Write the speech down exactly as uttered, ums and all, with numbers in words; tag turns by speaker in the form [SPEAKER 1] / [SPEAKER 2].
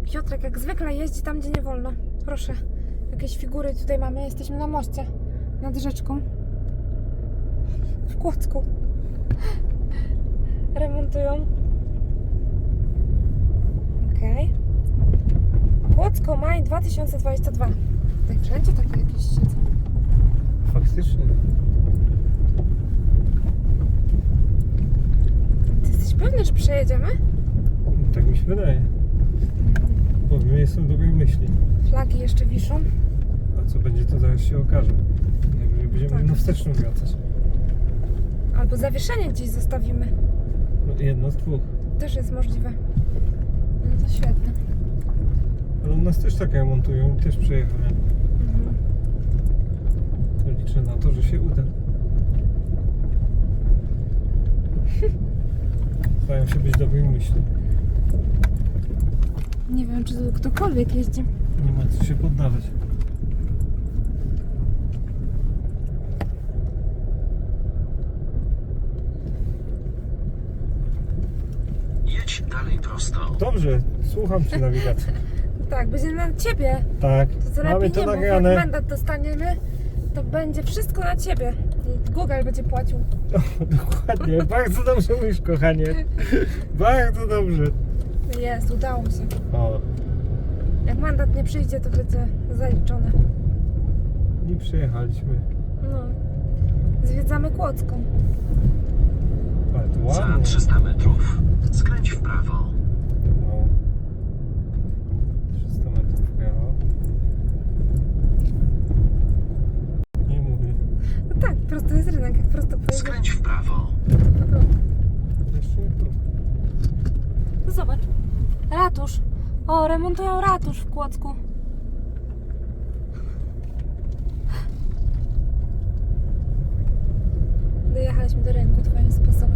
[SPEAKER 1] Piotrek jak zwykle jeździ tam, gdzie nie wolno. Proszę, jakieś figury tutaj mamy. Jesteśmy na moście nad rzeczką w Kłodzku. Remontują. Okej. Okay. Kłodzko, maj dwa tysiące dwudziesty drugi. Tutaj wszędzie takie jakieś siedzą.
[SPEAKER 2] Faktycznie.
[SPEAKER 1] Ty jesteś pewny, że przejedziemy?
[SPEAKER 2] Tak mi się wydaje. Bo jestem w dobrej myśli.
[SPEAKER 1] Flagi jeszcze wiszą.
[SPEAKER 2] A co będzie, to zaraz się okaże. Najwyżej będziemy
[SPEAKER 1] Tak.
[SPEAKER 2] na wsteczną wracać.
[SPEAKER 1] Albo zawieszenie gdzieś zostawimy.
[SPEAKER 2] No, jedno z dwóch.
[SPEAKER 1] Też jest możliwe. No to świetne.
[SPEAKER 2] Ale u nas też tak remontują i też przejechałem.
[SPEAKER 1] Mhm.
[SPEAKER 2] To liczę na to, że się uda. Staram się być dobrej myśli.
[SPEAKER 1] Nie wiem, czy tu ktokolwiek jeździ.
[SPEAKER 2] Nie ma co się poddawać.
[SPEAKER 3] Jedź dalej prosto.
[SPEAKER 2] Dobrze, słucham Cię, nawigacji.
[SPEAKER 1] Tak, będzie na ciebie.
[SPEAKER 2] Tak,
[SPEAKER 1] To co
[SPEAKER 2] mamy
[SPEAKER 1] lepiej
[SPEAKER 2] to
[SPEAKER 1] nie mów, jak
[SPEAKER 2] nagrane.
[SPEAKER 1] mandat dostaniemy, to będzie wszystko na ciebie. I Google będzie płacił.
[SPEAKER 2] O, dokładnie, bardzo dobrze mówisz, kochanie. Bardzo dobrze.
[SPEAKER 1] Jest, udało się.
[SPEAKER 2] O,
[SPEAKER 1] Jak mandat nie przyjdzie, to będzie zaliczone.
[SPEAKER 2] i przyjechaliśmy.
[SPEAKER 1] No. Zwiedzamy Kłodzką.
[SPEAKER 2] Bardzo
[SPEAKER 3] Za
[SPEAKER 2] ładnie.
[SPEAKER 3] trzysta metrów skręć w prawo.
[SPEAKER 2] No. trzysta metrów w prawo. Nie mówię.
[SPEAKER 1] No tak, prosto jest rynek, jak prosto pojedzie.
[SPEAKER 3] Skręć w prawo.
[SPEAKER 2] Jeszcze nie tu.
[SPEAKER 1] No zobacz. Ratusz. O, remontują ratusz w Kłodzku. Dojechaliśmy do rynku twoim sposobem.